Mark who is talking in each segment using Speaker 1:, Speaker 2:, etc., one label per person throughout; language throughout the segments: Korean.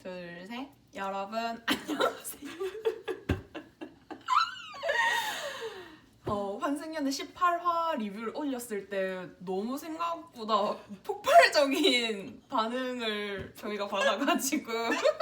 Speaker 1: 둘, 셋. 여러분 안녕하세요. 환승연애 18화 리뷰를 올렸을 때 너무 생각보다 폭발적인 반응을 저희가 받아가지고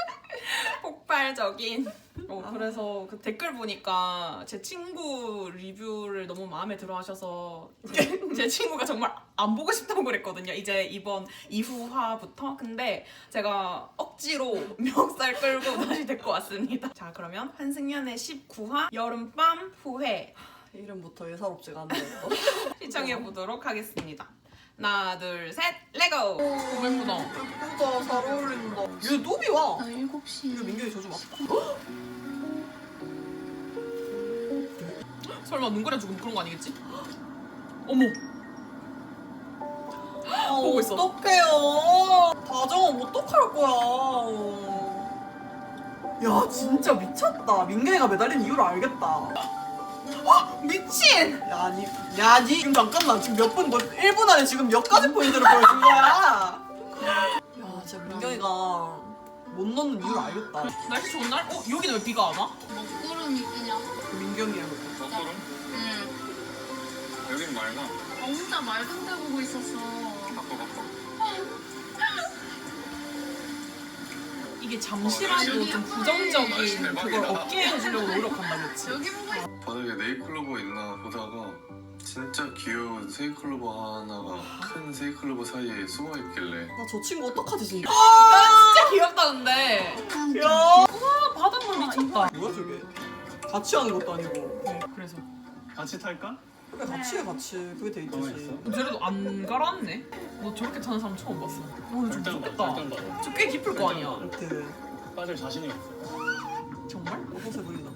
Speaker 1: 폭발적인 그래서 그 댓글 보니까 제 친구 리뷰를 너무 마음에 들어 하셔서 제 친구가 정말 안 보고 싶다고 그랬거든요. 이제 이번 2후화부터. 근데 제가 억지로 멱살 끌고 다시 데리고 왔습니다. 자, 그러면 환승연애 19화 여름밤 후회
Speaker 2: 이름부터 예사롭지가 않네요.
Speaker 1: 시청해보도록 하겠습니다. 하나, 둘, 셋, 레고! 너무 예쁘다.
Speaker 2: 예쁘다, 잘 어울린다. 얘 노비 와.
Speaker 3: 나 7시.
Speaker 2: 이거 민경이 저주 맞다.
Speaker 1: 설마 눈 그려주고 그런 거 아니겠지? 어머! 보고 있어.
Speaker 2: 어떡해요. 다정은 어떡할 거야. 야, 진짜 미쳤다. 민경이가 매달린 이유를 알겠다.
Speaker 1: 미친!
Speaker 2: 야, 니 지금 잠깐만. 지금 몇 분, 1분 안에 지금 몇 가지 포인트를 보여준 거야. 야, 진짜 민경이가 못 넣는 이유를 알겠다.
Speaker 1: 날씨 좋은 날? 여기는 왜 비가 안 와?
Speaker 3: 먹구름이 그냥.
Speaker 2: 민경이야.
Speaker 4: 먹구름?
Speaker 3: 응.
Speaker 4: 여긴 맑아.
Speaker 3: 혼자 맑은 데 보고 있었어.
Speaker 4: 바꿔.
Speaker 1: 이게 잠시라도 좀 부정적인 그걸 없게 해주려고 노력한다, 그치?
Speaker 3: 여기 보고 있어.
Speaker 4: 바닥에 네잎클로버 있나 보다가 진짜 귀여운 세이클로버 하나가 큰 세이클로버 사이에 숨어 있길래
Speaker 2: 나 저 친구 어떡하지, 진짜.
Speaker 1: 진짜 귀엽다, 근데.
Speaker 2: 야.
Speaker 1: 바닷물 미쳤다.
Speaker 2: 뭐야, 저게. 같이 하는 것도 아니고.
Speaker 1: 그래서.
Speaker 4: 같이 탈까?
Speaker 2: 그래, 같이 해, 같이. 그게 데이트지.
Speaker 1: 쟤네도 안 갈았네? 너 저렇게 타는 사람 처음 봤어. 오늘 좀 무섭다. 저 꽤 깊을 거 아니야.
Speaker 2: 그
Speaker 4: 빠질 자신이 없어.
Speaker 1: 정말?
Speaker 2: 어서 보인다.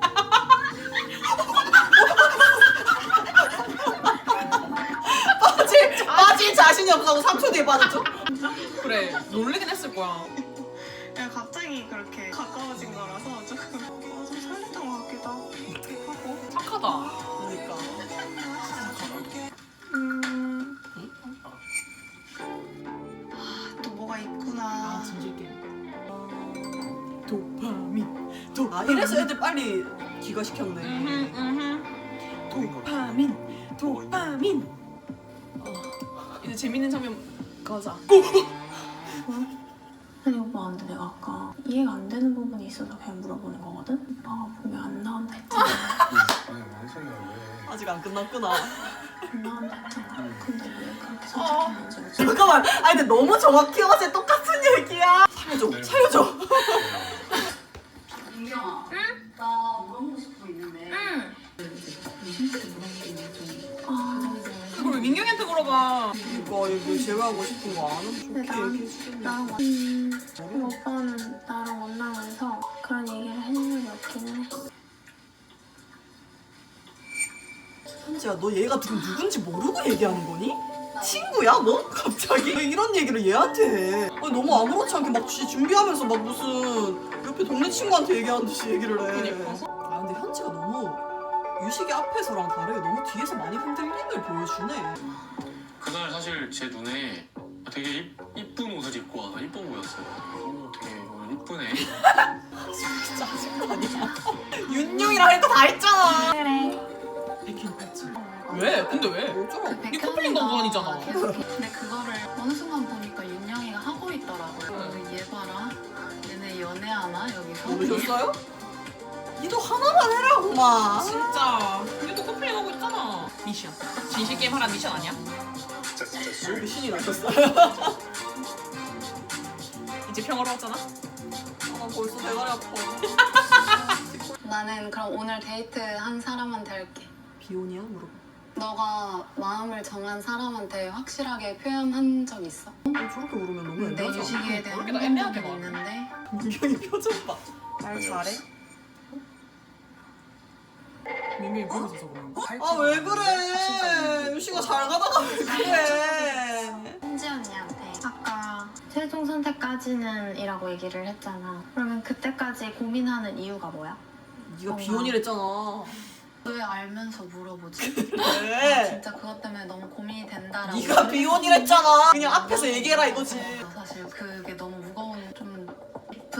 Speaker 2: 빠질 자신이 없다고 3초 뒤에 빠졌죠?
Speaker 1: 그래, 놀래긴 했을 거야.
Speaker 5: 갑자기 그렇게 가까워진 거라서 조금 좀 설렜던 것 같기도 하고
Speaker 1: 착하다.
Speaker 2: 그러니까.
Speaker 5: 또 뭐가 있구나.
Speaker 1: 진실 게임. 도파민.
Speaker 2: 아, 이래서 애들 빨리 기가시켰네.
Speaker 1: 도파민. 이제 재밌는 장면 가자.
Speaker 3: 아니 오빠 근데 내가 아까 이해가 안 되는 부분이 있어서 그냥 물어보는 거거든? 오빠가 보면 안 나온다 했잖아.
Speaker 4: 아니 뭔 소리야 왜?
Speaker 2: 아직 안 끝났구나.
Speaker 3: 안 나온다 했잖아. 근데 왜 그렇게 선택했는지 모르겠어.
Speaker 2: 잠깐만. 아니, 근데 너무 정확히 어제 똑같은 얘기야. 살려줘.
Speaker 6: 민경아, 응? 나 물어보고 싶은 거 있는데.
Speaker 3: 응.
Speaker 1: 그걸 왜 민경이한테 물어봐?
Speaker 2: 이거 제외하고 싶은 거 아는
Speaker 3: 근데
Speaker 2: 좋게 얘기해주겠네.
Speaker 3: 나랑 오빠는 나랑 만나면서 그런 얘기를 해준 적이 없긴 해.
Speaker 2: 현지야, 너 얘가 지금 누군지 모르고 얘기하는 거니? 친구야, 너? 갑자기? 왜 이런 얘기를 얘한테 해? 아니, 너무 아무렇지 않게 막 준비하면서 막 무슨 옆에 동네 친구한테 얘기하는 듯이 얘기를 해.
Speaker 1: 그니까.
Speaker 2: 아, 근데 현지가 너무 유식이 앞에서랑 다르게 너무 뒤에서 많이 흔들림을 보여주네.
Speaker 4: 그날 사실 제 눈에 되게 이쁜 옷을 입고 와서 이뻐 보였어요. 되게 오늘 이쁘네.
Speaker 2: 진짜 아직도 아니야. 윤용이랑 할 거 다 했잖아.
Speaker 3: 그래.
Speaker 1: 왜? 근데 왜?
Speaker 2: 어쩌라고.
Speaker 1: 네 커플링 광고아니잖아.
Speaker 3: 근데 그거를 어느 순간 보니까 윤영이가 하고 있더라고요. 얘 봐라. 얘네 연애하나 여기서?
Speaker 2: 모르셨어요? 니도 하나만 해라, 고마.
Speaker 1: 진짜. 우리도 커플링 하고 있잖아. 미션. 진실 게임 하라는 미션 아니야?
Speaker 4: 진짜
Speaker 2: 신이 나셨어.
Speaker 1: 이제 평화로웠잖아?
Speaker 2: 아, 벌써 대가리 아파.
Speaker 6: 나는 그럼 오늘 데이트 한 사람한테 할게.
Speaker 2: 비혼이야? 물어봐.
Speaker 6: 너가 마음을 정한 사람한테 확실하게 표현한 적 있어?
Speaker 2: 저렇게 물으면 너무
Speaker 6: 내
Speaker 2: 애매하지
Speaker 6: 유식이에 대한
Speaker 1: 그렇게 나 애매하게
Speaker 6: 생각이
Speaker 1: 말해.
Speaker 6: 있는데
Speaker 2: 민경이 표정 봐. 말 잘해?
Speaker 1: 민경이 보고 있어서 그런가?
Speaker 2: 아, 왜 그래? 유식아 잘 가다가 왜 그래?
Speaker 3: 현지 언니한테 아까 최종 선택까지는 이라고 얘기를 했잖아. 그러면 그때까지 고민하는 이유가 뭐야?
Speaker 2: 네가 비혼이랬잖아.
Speaker 6: 왜 알면서 물어보지?
Speaker 2: 왜?
Speaker 6: 진짜 그것 때문에 너무 고민이 된다라고
Speaker 2: 네가 비혼이랬잖아. 그냥 앞에서 얘기해라 이거지.
Speaker 6: 사실 그게 너무 무거운 좀 깊은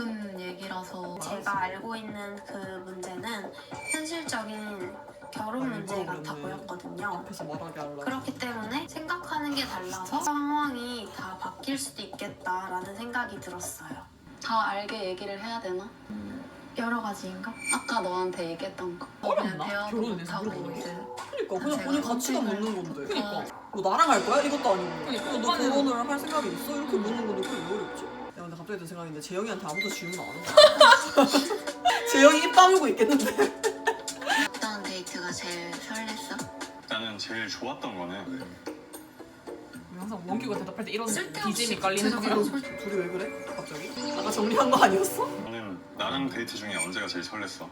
Speaker 3: 내가 알고 있는 그 문제는 현실적인 결혼 문제 같아 보였거든요.
Speaker 2: 앞에서 말하게 하려고.
Speaker 3: 그렇기 때문에 생각하는 게 달라서 상황이 다 바뀔 수도 있겠다라는 생각이 들었어요.
Speaker 6: 다 알게 얘기를 해야 되나?
Speaker 3: 여러 가지인가?
Speaker 6: 아까 너한테 얘기했던 거.
Speaker 1: 어렵나?
Speaker 6: 그냥 대화도
Speaker 1: 결혼을 해서
Speaker 6: 못하고
Speaker 1: 물어보는 게?
Speaker 6: 이제
Speaker 2: 그러니까 그냥
Speaker 6: 제가
Speaker 2: 본인 가치가
Speaker 6: 선택을-
Speaker 2: 묻는 건데.
Speaker 1: 그니까.
Speaker 2: 뭐 나랑 할 거야? 이것도 아니고.
Speaker 1: 그러니까.
Speaker 2: 너 결혼을 할 생각이 있어? 이렇게 묻는 건데 그게 왜 어렵지? 야 근데 갑자기 든 생각인데 재영이한테 아무도 질문 안 한다. 재영이 입 다물고 있겠는데.
Speaker 3: 어떤 데이트가 제일 설렜어?
Speaker 4: 나는 제일 좋았던 거는
Speaker 1: 항상 원규가 대답할 때 이런
Speaker 3: 쓸데없이
Speaker 1: BGM이 깔리는 거야.
Speaker 2: 둘이 왜 그래? 갑자기? 아까 정리한 거 아니었어?
Speaker 4: 너는 나랑 데이트 중에 언제가 제일 설렜어?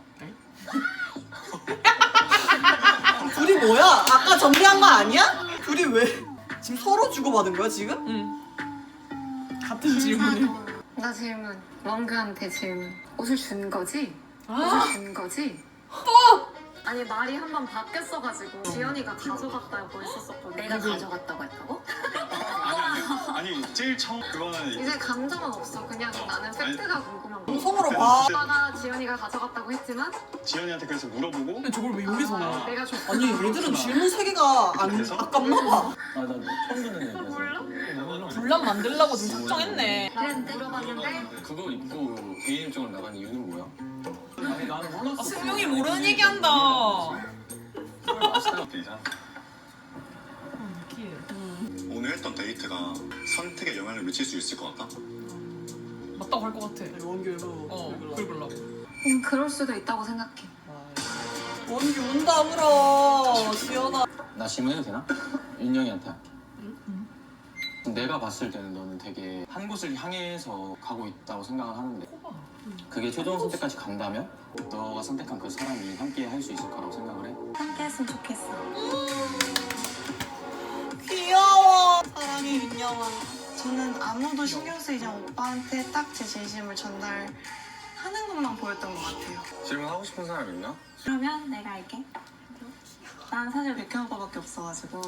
Speaker 2: 둘이 뭐야? 아까 정리한 거 아니야? 둘이 왜? 지금 서로 주고받은 거야 지금?
Speaker 1: 응. 같은 질문을.
Speaker 6: 나 질문. 원그한테 질문. 옷을 준 거지?
Speaker 1: 아,
Speaker 6: 옷을 준 거지? 아니 말이 한 번 바뀌었어가지고 지연이가 가져갔다고 했었거든.
Speaker 3: 내가 가져갔다고 했다고?
Speaker 4: 아니 제일 처음 그거는
Speaker 6: 이제 감정은 없어. 그냥 나는 팩트가 궁금한 거.
Speaker 2: 방송으로 봐.
Speaker 6: 오빠가 지연이가 가져갔다고 했지만
Speaker 4: 지연이한테 그래서 물어보고
Speaker 1: 근데 저걸 왜 여기서 나?
Speaker 6: 내가 줬.
Speaker 2: 아니 얘들은 질문 세 개가 안
Speaker 4: 그래서?
Speaker 2: 아깝나 봐.
Speaker 7: 아, 나 처음 듣는 얘기야. 몰라?
Speaker 1: 분란 만들려고 지금 작정했네.
Speaker 6: 그랬는데 물어봤는데
Speaker 7: 그거 입고 개인 일정을 나간 이유는 뭐야? 아니, 나는 몰랐어.
Speaker 1: 아, 승용이 모르는 얘기한다.
Speaker 4: 이상
Speaker 1: 느끼해.
Speaker 8: 오늘 했던 데이트가 선택에 영향을 미칠 수 있을 것 같다?
Speaker 1: 맞다고 할 것 같아.
Speaker 2: 원규 일로
Speaker 1: 긁으려고.
Speaker 6: 그럴 수도 있다고 생각해.
Speaker 2: 원규 운다 울어. 지연아.
Speaker 7: 나 질문해도 되나? 윤영이한테 할게. 내가 봤을 때는 너는 되게 한 곳을 향해서 가고 있다고 생각을 하는데 그게 최종 선택까지 간다면 너가 선택한 그 사람이 함께 할 수 있을 거라고 생각을 해?
Speaker 3: 함께 했으면 좋겠어.
Speaker 2: 귀여워. 사랑해 윤영아.
Speaker 5: 저는 아무도 신경 쓰이지 않은 오빠한테 딱 제 진심을 전달하는 것만 보였던 것 같아요.
Speaker 4: 질문하고 싶은 사람 있나?
Speaker 5: 그러면 내가 할게. 난 사실 백현 오빠밖에 없어가지고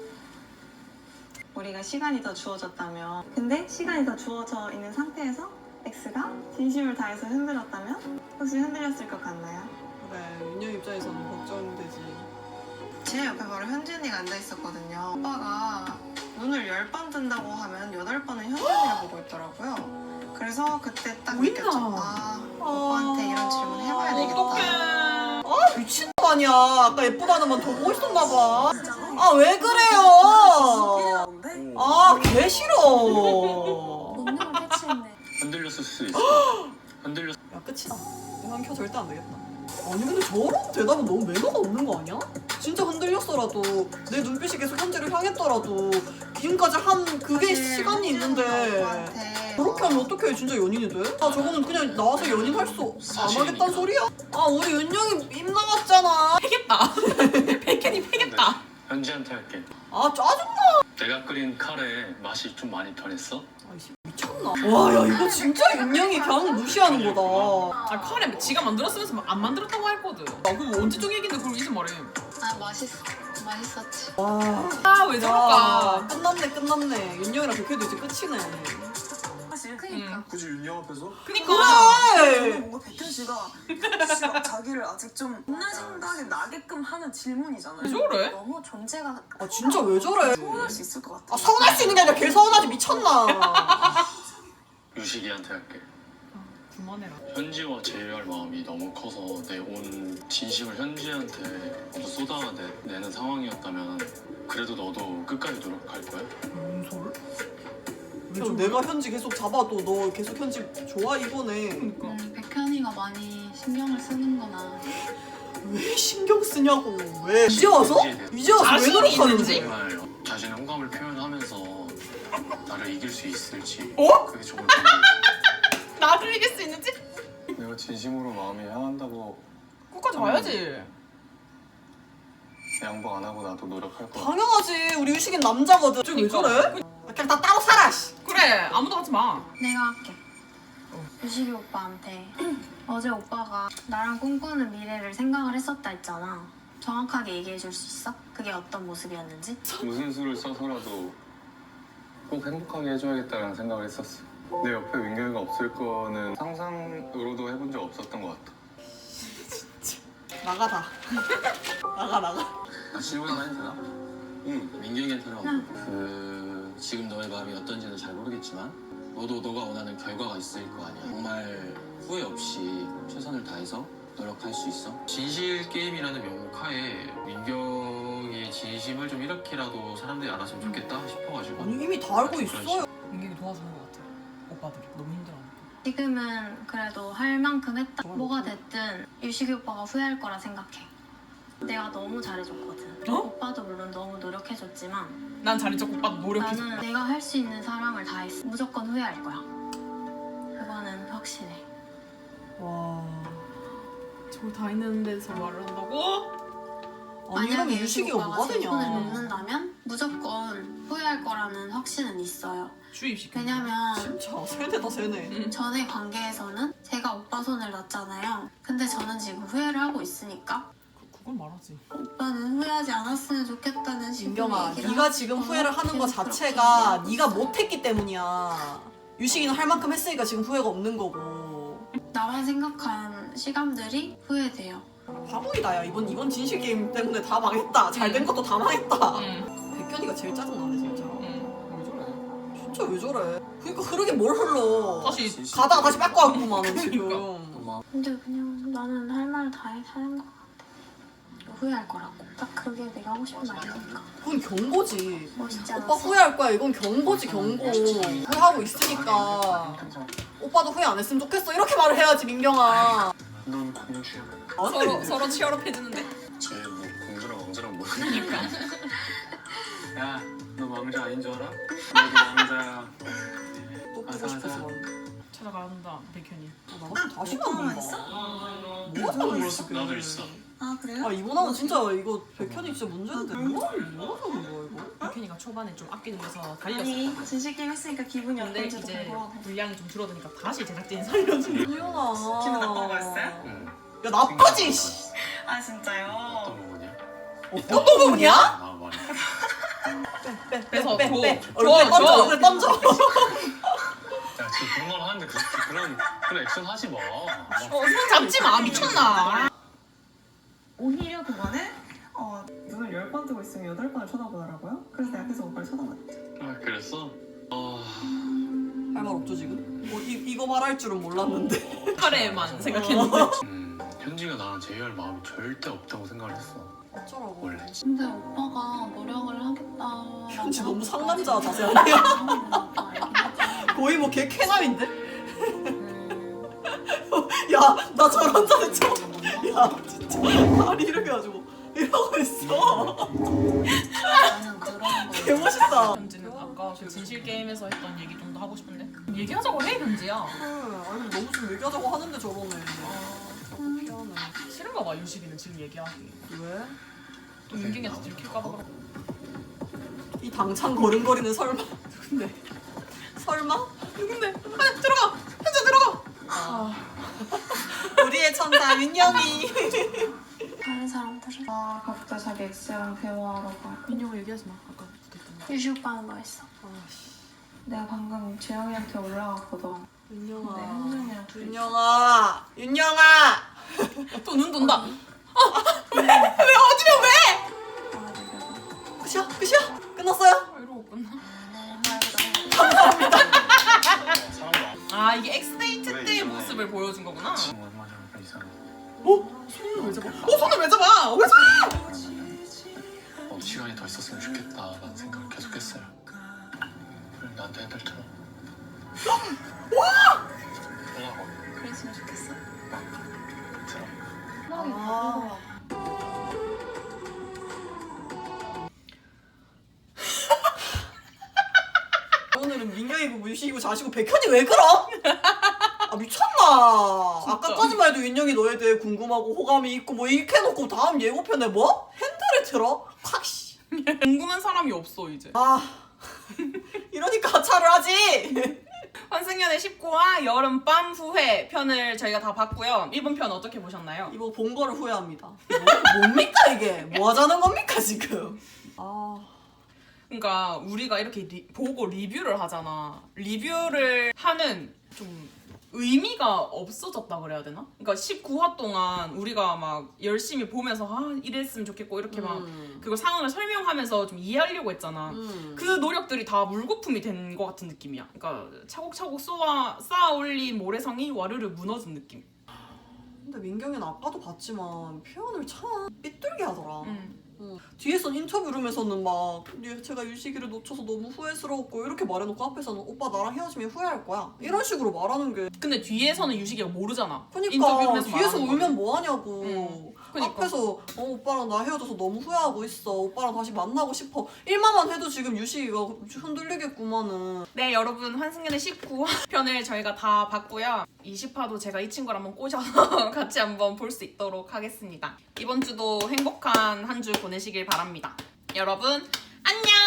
Speaker 5: 우리가 시간이 더 주어졌다면 근데 시간이 더 주어져 있는 상태에서 X가 진심을 다해서 흔들었다면 혹시 흔들렸을 것 같나요?
Speaker 2: 그래 윤영 입장에서는 걱정되지.
Speaker 5: 제 옆에 바로 현진이가 앉아있었거든요. 오빠가 눈을 10번 뜬다고 하면 8번은 현진이를 보고 있더라고요. 그래서 그때 딱
Speaker 1: 보인다.
Speaker 5: 느꼈죠. 아, 오빠한테 이런 질문 해봐야 되겠다.
Speaker 1: 어떡해.
Speaker 2: 아 미친 거 아니야. 아까 예쁘다는 만 더 보고 있었나 봐. 아 왜 그래요? 아 개 싫어.
Speaker 3: 운명을 패치했네.
Speaker 7: 흔들렸을 수 있어. 흔들렸.
Speaker 2: 야 끝이다. 이건 켜 절대 안 되겠다. 아니 근데 저런 대답은 너무 매너가 없는 거 아니야? 진짜 흔들렸어라도 내 눈빛이 계속 현재를 향했더라도 지금까지 한 그게
Speaker 5: 사실
Speaker 2: 시간이
Speaker 5: 현진이가
Speaker 2: 있는데
Speaker 5: 오빠한테
Speaker 2: 그렇게 하면 어떻게 진짜 연인이 돼? 아 저거는 그냥 나와서 연인 할 수 안 하겠다는 소리야? 아 우리 윤영이 입 나갔잖아.
Speaker 1: 패겠다. 백현이 패겠다.
Speaker 7: 현지한테 할게.
Speaker 2: 아 짜증나.
Speaker 7: 내가 끓인 카레 맛이 좀 많이 변했어?
Speaker 2: 아이씨 미쳤나? 와 야 이거 진짜 윤영이 그냥 무시하는 거다.
Speaker 1: 아 카레 지가 만들었으면서 안 만들었다고 했거든. 나 그거 언제적 얘긴데 그걸 이제 말해.
Speaker 6: 아 맛있었지.
Speaker 2: 와.
Speaker 1: 아 왜
Speaker 2: 야
Speaker 1: 저럴까.
Speaker 2: 끝났네. 윤영이랑 백혜도 이제 끝이네.
Speaker 5: 사실
Speaker 6: 그니까.
Speaker 4: 굳이 윤영 앞에서?
Speaker 1: 그니까.
Speaker 2: 그래.
Speaker 5: 뭔가 백현 씨가 자기를 아직 좀 옛날 생각이 나게끔 하는 질문이잖아요.
Speaker 1: 왜 저래?
Speaker 3: 너무 존재가
Speaker 2: 아 진짜 왜 저래?
Speaker 5: 서운할 수 있을 것 같아.
Speaker 2: 아 서운할 수 있는 게 아니라 걔 서운하지 미쳤나?
Speaker 7: 유식이한테 할게.
Speaker 1: 그만해라.
Speaker 7: 현지와 제외할 마음이 너무 커서 내 온 진심을 현지한테 모두 쏟아내는 상황이었다면 그래도 너도 끝까지 노력할 거야?
Speaker 1: 뭔 소리?
Speaker 2: 그럼 내가 현지 계속 잡아도 너 계속 현지 좋아 이거네.
Speaker 1: 그니까.
Speaker 6: 백현이가 많이 신경을 쓰는구나.
Speaker 2: 왜 신경 쓰냐고 왜? 이제 와서? 이제 와서 왜
Speaker 1: 자신이
Speaker 2: 노력하는지?
Speaker 1: 있는지?
Speaker 7: 정말 자신의 호감을 표현하면서 나를 이길 수 있을지
Speaker 1: 어?
Speaker 7: 그게 정말 궁금해.
Speaker 1: 나를 이길 수 있는지?
Speaker 4: 내가 진심으로 마음이 향한다고
Speaker 1: 끝까지 봐야지.
Speaker 4: 양보 안 하고 나도 노력할 거야.
Speaker 2: 당연하지 우리 유식인 남자거든. 쟤왜 저래? 아, 그냥 다 따로 살아 씨.
Speaker 1: 그래 아무도 하지 마.
Speaker 3: 내가 할게. 유식이 오빠한테 어제 오빠가 나랑 꿈꾸는 미래를 생각을 했었다 했잖아. 정확하게 얘기해 줄 수 있어? 그게 어떤 모습이었는지?
Speaker 4: 무슨 수를 써서라도 꼭 행복하게 해줘야겠다는 생각을 했었어. 내 옆에 민경이가 없을 거는 상상으로도 해본 적 없었던 것 같아.
Speaker 2: 나가다. 나가.
Speaker 7: 나 질문 하나 해도 되나?
Speaker 8: 응.
Speaker 7: 민경이한테는 지금 너의 마음이 어떤지는 잘 모르겠지만 너도 너가 원하는 결과가 있을 거 아니야. 정말 후회 없이 최선을 다해서 노력할 수 있어. 진실 게임이라는 명목하에 민경이의 진심을 좀 이렇게라도 사람들이 알았으면 좋겠다 싶어가지고.
Speaker 2: 아니 이미 다 알고 있어요.
Speaker 1: 민경이 도와주는 것 같아. 오빠들이 너무 힘들어하니까.
Speaker 3: 지금은 그래도 할 만큼 했다. 뭐가 됐든 유식이 오빠가 후회할 거라 생각해. 내가 너무 잘해줬거든.
Speaker 1: 어?
Speaker 3: 오빠도 물론 너무 노력해줬지만
Speaker 1: 난 잘해줘. 오빠도 노력해줘.
Speaker 3: 나는 내가 할 수 있는 사람을 다 했어. 무조건 후회할 거야. 그거는 확실해.
Speaker 2: 와.
Speaker 1: 저걸 다 했는데서 말을 한다고?
Speaker 2: 아니 이러면 유식이가
Speaker 3: 오빠가
Speaker 2: 뭐가
Speaker 3: 세 손을
Speaker 2: 되냐.
Speaker 3: 넘는다면 무조건 후회할 거라는 확신은 있어요.
Speaker 1: 주입시켜.
Speaker 3: 왜냐면
Speaker 2: 진짜 세네다 세네.
Speaker 3: 전의 관계에서는 제가 오빠 손을 놨잖아요. 근데 저는 지금 후회를 하고 있으니까
Speaker 1: 그건 말하지.
Speaker 3: 오빠는 후회하지 않았으면 좋겠다는 식으로
Speaker 2: 민경아,
Speaker 3: 얘기를
Speaker 2: 네가
Speaker 3: 하고
Speaker 2: 지금
Speaker 3: 싶어서
Speaker 2: 후회를 하는 거
Speaker 3: 계속
Speaker 2: 자체가
Speaker 3: 그렇게
Speaker 2: 네가 못했기 때문이야. 유식이는 할 만큼 했으니까 지금 후회가 없는 거고.
Speaker 3: 나만 생각한 시간들이 후회돼요.
Speaker 2: 바보이다 야. 이번 진실 게임 때문에 다 망했다. 잘 된 것도 다 망했다.
Speaker 1: 응.
Speaker 2: 백현이가 제일 짜증나네 진짜.
Speaker 1: 응.
Speaker 7: 왜 저래?
Speaker 2: 진짜 왜 저래? 그러니까 흐르게 뭘 흘러.
Speaker 1: 다시
Speaker 2: 가다가 다시 뺏고 왔구만은 지금.
Speaker 7: 고마워.
Speaker 3: 근데 그냥 나는 할 말 다 하는 것 같아. 후회할 거라고. 딱 그게 내가 하고 싶은 말이니까.
Speaker 2: 그건 경고지.
Speaker 3: 멋있지 않았어?
Speaker 2: 오빠 후회할 거야. 이건 경고지 경고. 후회하고 있으니까. 오빠도 후회 안 했으면 좋겠어. 이렇게 말을 해야지 민경아.
Speaker 4: 넌 공주야.
Speaker 1: 서로 치열업 해주는데.
Speaker 4: 쟤뭐 공주랑 왕자랑 모르니까.
Speaker 7: 야, 너 왕자 아닌 줄 알아? 너도 왕자야.
Speaker 2: 또 보고 싶어서.
Speaker 1: 찾아간다 백현이.
Speaker 2: 나 같은 다시 만본다. 뭐가 다른 거야 지금?
Speaker 4: 나도 있어.
Speaker 5: 아 그래요?
Speaker 2: 아 이번화는 진짜 이거 백현이 진짜 문제인데 뭐가 다른 거야 이거?
Speaker 1: 백현이가 초반에 좀 아끼는 데서 달렸어.
Speaker 5: 아니 진실 게임 했으니까 기분이
Speaker 1: 근데
Speaker 5: 어떤지도
Speaker 1: 이제
Speaker 5: 궁금하고.
Speaker 1: 분량이 좀 줄어드니까 다시 제작진이 살려주는.
Speaker 2: 이현아.
Speaker 5: 기분 나쁜 거였어요?
Speaker 4: 응.
Speaker 2: 야 나쁘지. 씨.
Speaker 5: 아 진짜요?
Speaker 4: 어떤 부분이야?
Speaker 2: 어떤 부분이야?
Speaker 4: 아 말해.
Speaker 1: 그래서
Speaker 2: 빼.
Speaker 1: 줘.
Speaker 2: 얼굴에 던져.
Speaker 1: 줘.
Speaker 2: 얼굴에 던져.
Speaker 4: 야 지금 그런 말 하는데 그런 액션 하지 마.
Speaker 1: 손 잡지 마 미쳤나?
Speaker 5: 오히려 그거는 눈을 10번 뜨고 있으면 8번을 쳐다보더라고요. 그래서 내가 계속 오빠를 쳐다봤지.
Speaker 4: 아 그랬어?
Speaker 2: 할 말 없죠 지금? 이거 말할 줄은 몰랐는데.
Speaker 1: 카레만 생각했는데.
Speaker 4: 현지가 나랑 제이할 마음이 절대 없다고 생각을 했어.
Speaker 2: 어쩌라고.
Speaker 4: 원래.
Speaker 3: 근데 오빠가 노력을 하겠다.
Speaker 2: 현지 너무 상남자 자세 아니야? 거의 뭐 걔 쾌남인데? 야 나 저런 자세 처음. 야 진짜 다리 이렇게 가지고 이러고 있어.
Speaker 3: 나는 그런 거.
Speaker 2: 개 멋있다.
Speaker 1: 현지는 아까 그 진실 게임에서 했던 얘기 좀 더 하고 싶은데 얘기하자고 해 현지야.
Speaker 2: 아니 너무 좀 얘기하자고 하는데 저러네. 미안해.
Speaker 1: 싫은가 봐 유식이는 지금 얘기하기.
Speaker 2: 왜?
Speaker 1: 또 윤경이한테 들킬까 봐.
Speaker 2: 이 당찬 걸음걸이는 설마 누군데? 설마?
Speaker 1: 누군데? 아 들어가. 현지 들어가.
Speaker 2: 우리의 천사 윤영이.
Speaker 3: 다른 사람들은
Speaker 5: 각자 자기 엑스랑 대화하러 가.
Speaker 1: 민영아 얘기하지 마. 아까 붙었던 거.
Speaker 3: 유식 오빠는 뭐 했어?
Speaker 5: 내가 방금 재영이한테 올라갔거든. 근데
Speaker 2: 윤영아.
Speaker 5: 현준이랑 둘이
Speaker 2: 윤영아. 윤영아.
Speaker 1: 또 눈 돈다.
Speaker 2: 끝이야? 끝이야? 끝났어요?
Speaker 1: 아, 이러고 끝나.
Speaker 4: 사람도
Speaker 1: 아 이게 엑스데이트
Speaker 4: 그래,
Speaker 1: 때의
Speaker 4: 이상해.
Speaker 1: 모습을 보여준 거구나.
Speaker 4: 지금 얼마 전에 이상해.
Speaker 1: 손을 왜 잡아? 손을 왜 잡아? 왜 잡아?
Speaker 4: 시간이 더 있었으면 좋겠다라는 생각을 계속했어요. 그럼 나한테 해달처럼. 뭐라고?
Speaker 5: 그랬으면 좋겠어.
Speaker 2: 아. 오늘은 민경이고 유식이고 자시고 백현이 왜 그러? 아 미쳤나? 아까까지만 해도 윤영이 너에 대해 궁금하고 호감이 있고 뭐 이렇게 해놓고 다음 예고편에 뭐? 핸들을 틀어? 콱 씨.
Speaker 1: 궁금한 사람이 없어 이제.
Speaker 2: 아 이러니까 하차를 하지.
Speaker 1: 환승연의 19화 여름밤 후회 편을 저희가 다 봤고요. 이번 편 어떻게 보셨나요?
Speaker 2: 이거 본 거를 후회합니다. 뭡니까 이게? 뭐 하자는 겁니까 지금? 아
Speaker 1: 그러니까 우리가 이렇게 보고 리뷰를 하잖아. 리뷰를 하는 좀 의미가 없어졌다 그래야 되나? 그러니까 19화 동안 우리가 막 열심히 보면서 이랬으면 좋겠고 이렇게 막 그걸 상황을 설명하면서 좀 이해하려고 했잖아. 그 노력들이 다 물거품이 된 것 같은 느낌이야. 그러니까 차곡차곡 쌓아 올린 모래성이 와르르 무너진 느낌.
Speaker 2: 근데 민경이는 아까도 봤지만 표현을 참 삐뚤게 하더라. 뒤에선 인터뷰 룸에서는 막 제가 유식이를 놓쳐서 너무 후회스러웠고 이렇게 말해놓고 앞에서는 오빠 나랑 헤어지면 후회할 거야 이런 식으로 말하는 게
Speaker 1: 근데 뒤에서는 유식이가 모르잖아.
Speaker 2: 그러니까
Speaker 1: 인터뷰룸에서
Speaker 2: 뒤에서
Speaker 1: 말하는
Speaker 2: 울면
Speaker 1: 거는.
Speaker 2: 뭐 하냐고
Speaker 1: 그러니까.
Speaker 2: 앞에서 오빠랑 나 헤어져서 너무 후회하고 있어 오빠랑 다시 만나고 싶어 일만만 해도 지금 유식이가 흔들리겠구만은.
Speaker 1: 네 여러분 환승연의 19화편을 저희가 다 봤고요. 20화도 제가 이 친구를 한번 꼬셔서 같이 한번 볼 수 있도록 하겠습니다. 이번 주도 행복한 한 주 보내시길 바랍니다. 여러분 안녕.